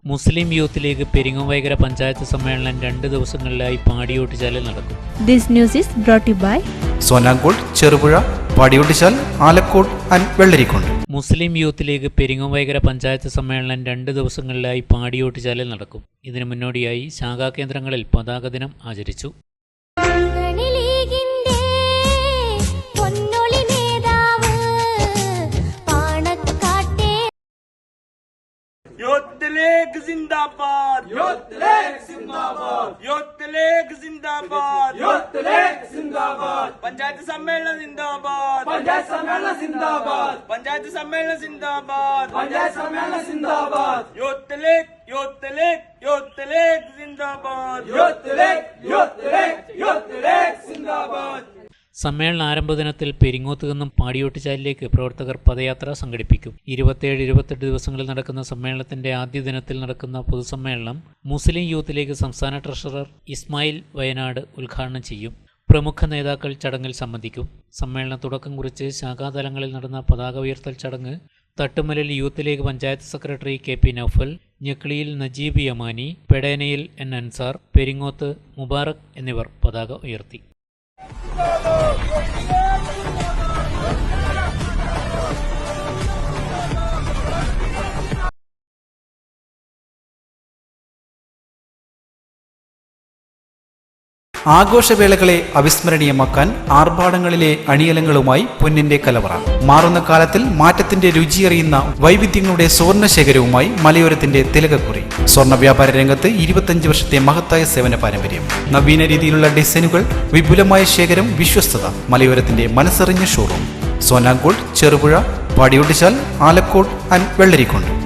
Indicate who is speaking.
Speaker 1: മുസ്ലിം യൂത്ത് ലീഗ് പെരിങ്ങോവൈകര പഞ്ചായത്ത് സമ്മേളനം 2 ദിവസങ്ങളിലായി പാടിയോട്ടിച്ചാലിൽ നടക്കും.
Speaker 2: This news is brought to you by
Speaker 3: Sonankode, Cherupuzha, Padiyottuchal, Alakode and Vellarikundu.
Speaker 1: Muslim Youth League Peringovaikara panchayat സമ്മേളനം 2 ദിവസങ്ങളിലായി പാടിയോട്ടിച്ചാലിൽ നടക്കും. ഇതിനു മുന്നോടിയായി ശാഖാകേന്ദ്രങ്ങളിൽ പതാക ദിനം ആചരിച്ചു.
Speaker 4: യൂത്ത് ലീഗ് സിന്ദാബാദ്, യൂത്ത് ലീഗ് സിന്ദാബാദ്, യൂത്ത് ലീഗ് സിന്ദാബാദ്, യൂത്ത് ലീഗ് സിന്ദാബാദ്. പഞ്ചായത്ത് സമ്മേളനം സിന്ദാബാദ്, പഞ്ചായത്ത് സമ്മേളനം സിന്ദാബാദ്, പഞ്ചായത്ത് സമ്മേളനം സിന്ദാബാദ്, പഞ്ചായത്ത് സമ്മേളനം സിന്ദാബാദ്. യൂത്ത് ലീഗ്, യൂത്ത് ലീഗ്, യൂത്ത് ലീഗ് സിന്ദാബാദ്, യൂത്ത് ലീഗ്, യൂത്ത് ലീഗ്, യൂത്ത് ലീഗ് സിന്ദാബാദ്.
Speaker 1: സമ്മേളന ആരംഭ ദിനത്തിൽ പെരിങ്ങോത്ത് നിന്നും പാടിയോട്ടിച്ചാലിലേക്ക് പ്രവർത്തകർ പദയാത്ര സംഘടിപ്പിക്കും. 27-28 ദിവസങ്ങളിൽ നടക്കുന്ന സമ്മേളനത്തിന്റെ ആദ്യ ദിനത്തിൽ നടക്കുന്ന പൊതുസമ്മേളനം മുസ്ലിം യൂത്ത് ലീഗ് സംസ്ഥാന ട്രഷറർ ഇസ്മായിൽ വയനാട് ഉദ്ഘാടനം ചെയ്യും. പ്രമുഖ നേതാക്കൾ ചടങ്ങിൽ സംബന്ധിക്കും. സമ്മേളന തുടക്കം കുറിച്ച് ശാഖാതലങ്ങളിൽ നടന്ന പതാക ഉയർത്തൽ ചടങ്ങ് തട്ടുമലിൽ യൂത്ത് ലീഗ് പഞ്ചായത്ത് സെക്രട്ടറി KP നൌഫൽ, ഞെക്ലിയിൽ നജീബ് യമാനി, പെടേനയിൽ N അൻസാർ, പെരിങ്ങോത്ത് മുബാറക് എന്നിവർ പതാക ഉയർത്തി.
Speaker 3: ആഘോഷവേളകളെ അവിസ്മരണീയമാക്കാൻ ആർഭാടങ്ങളിലെ അണിയലങ്ങളുമായി പൊന്നിന്റെ കലവറ. മാറുന്ന കാലത്തിൽ മാറ്റത്തിന്റെ രുചിയറിയുന്ന വൈവിധ്യങ്ങളുടെ സുവർണശേഖരവുമായി മലയോരത്തിന്റെ തിലകക്കുറി. സ്വർണ്ണ വ്യാപാര രംഗത്ത് 25 വർഷത്തെ മഹത്തായ സേവന പാരമ്പര്യം. നവീന രീതിയിലുള്ള ഡിസൈനുകൾ, വിപുലമായ ശേഖരം, വിശ്വസ്തത. മലയോരത്തിന്റെ മനസ്സറിഞ്ഞ ഷോറൂം. സോനാങ്കോട്, ചെറുപുഴ, പാടിയോട്ടിച്ചാൽ, ആലക്കോട് ആൻഡ് വെള്ളരിക്കുണ്ട്.